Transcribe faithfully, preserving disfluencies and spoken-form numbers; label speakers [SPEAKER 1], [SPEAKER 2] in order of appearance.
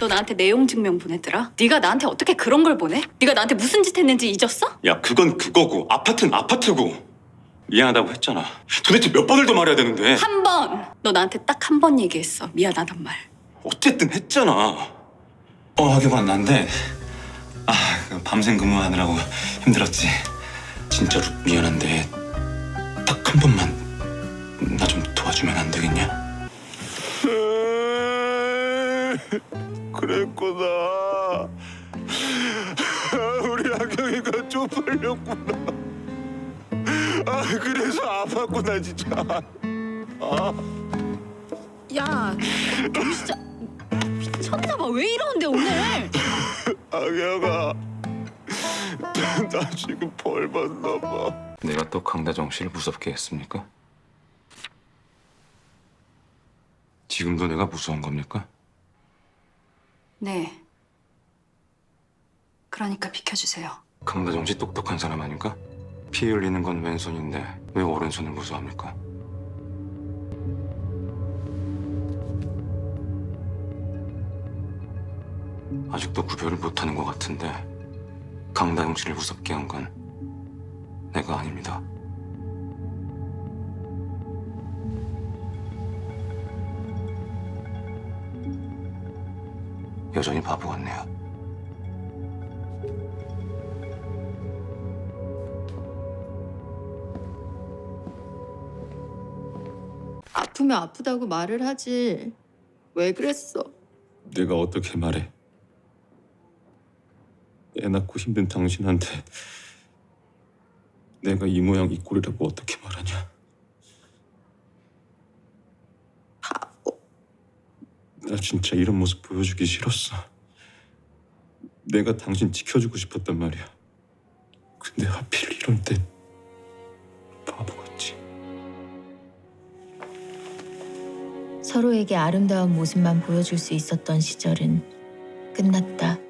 [SPEAKER 1] 너 나한테 내용 증명 보냈더라? 네가 나한테 어떻게 그런 걸 보내? 네가 나한테 무슨 짓 했는지 잊었어?
[SPEAKER 2] 야, 그건 그거고 아파트는 아파트고. 미안하다고 했잖아. 도대체 몇 번을 더 말해야 되는데.
[SPEAKER 1] 한 번! 너 나한테 딱 한 번 얘기했어. 미안하단 말.
[SPEAKER 2] 어쨌든 했잖아. 어, 하기가 안 난데. 아, 그 밤샘 근무하느라고 힘들었지. 진짜로 미안한데 딱 한 번만 나 좀 도와주면 안 되겠냐?
[SPEAKER 3] 그랬구나. 우리 하경이가 쪽팔렸구나. 아, 그래서 아팠구나 진짜.
[SPEAKER 1] 야, 너 진짜 미쳤나 봐. 왜 이러는데 오늘?
[SPEAKER 3] 하경아, 나 지금 벌 받나 봐.
[SPEAKER 2] 내가 또 강다정 씨를 무섭게 했습니까? 지금도 내가 무서운 겁니까?
[SPEAKER 1] 네. 그러니까 비켜주세요.
[SPEAKER 2] 강다정 씨 똑똑한 사람 아닌가? 피 흘리는 건 왼손인데 왜 오른손을 무서워합니까? 아직도 구별을 못하는 것 같은데 강다정 씨를 무섭게 한 건 내가 아닙니다. 여전히 바보 같네요.
[SPEAKER 4] 아프면 아프다고 말을 하지. 왜 그랬어?
[SPEAKER 3] 내가 어떻게 말해? 애 낳고 힘든 당신한테 내가 이 모양 이 꼴이라고 어떻게 말하냐?
[SPEAKER 4] 바보.
[SPEAKER 3] 나 진짜 이런 모습 보여주기 싫었어. 내가 당신 지켜주고 싶었단 말이야. 근데 하필 이럴 때 바보같이.
[SPEAKER 5] 서로에게 아름다운 모습만 보여줄 수 있었던 시절은 끝났다.